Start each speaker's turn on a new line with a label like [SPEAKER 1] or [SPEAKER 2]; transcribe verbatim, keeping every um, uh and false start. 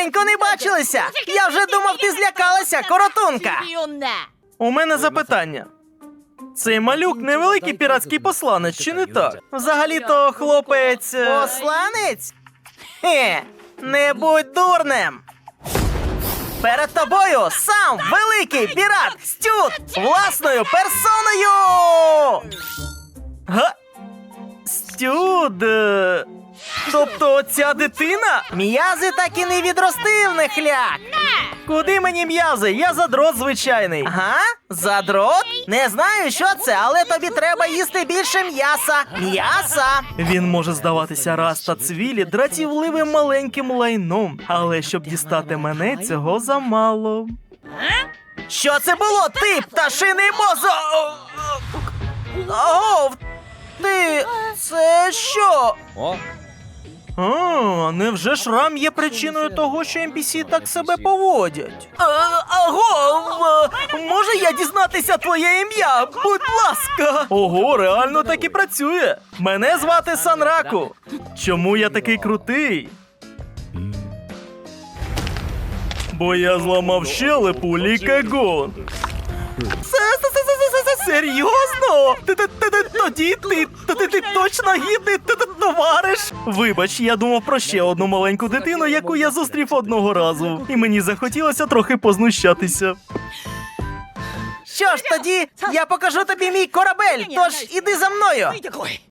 [SPEAKER 1] Давненько не бачилися! Я вже думав, ти злякалася, коротунка!
[SPEAKER 2] У мене запитання. Цей малюк невеликий піратський посланець, чи не так? Взагалі-то хлопець... е,
[SPEAKER 1] Посланець? Хе, не будь дурнем! Перед тобою сам великий пірат Стюд власною персоною!
[SPEAKER 2] Га? Стюд... е, Тобто ця дитина?
[SPEAKER 1] М'язи так і не відростив, нехляк!
[SPEAKER 2] Куди мені м'язи? Я задрот звичайний.
[SPEAKER 1] Ага, задрот? Не знаю, що це, але тобі треба їсти більше м'яса. М'яса!
[SPEAKER 2] Він може здаватися раз та цвілі дратівливим маленьким лайном, але щоб дістати мене, цього замало.
[SPEAKER 1] Що це було, ти, пташиний мозок? Ого, ти... це що?
[SPEAKER 2] А, невже шрам є причиною того, що ен пі сі так себе поводять?
[SPEAKER 1] А, аго, е, може я дізнатися твоє ім'я? Будь ласка!
[SPEAKER 2] Ого, реально так і працює. Мене звати Санраку. Чому я такий крутий? Бо я зламав щелепу Лікагон.
[SPEAKER 1] Серйозно?
[SPEAKER 2] Ти- ти- ти- ти- Тоді ти, ти, ти, ти точно гідний ти- ти товариш. Вибач, я думав про ще одну маленьку дитину, яку я зустрів одного разу. І мені захотілося трохи познущатися.
[SPEAKER 1] Що ж тоді, я покажу тобі мій корабель, тож іди за мною.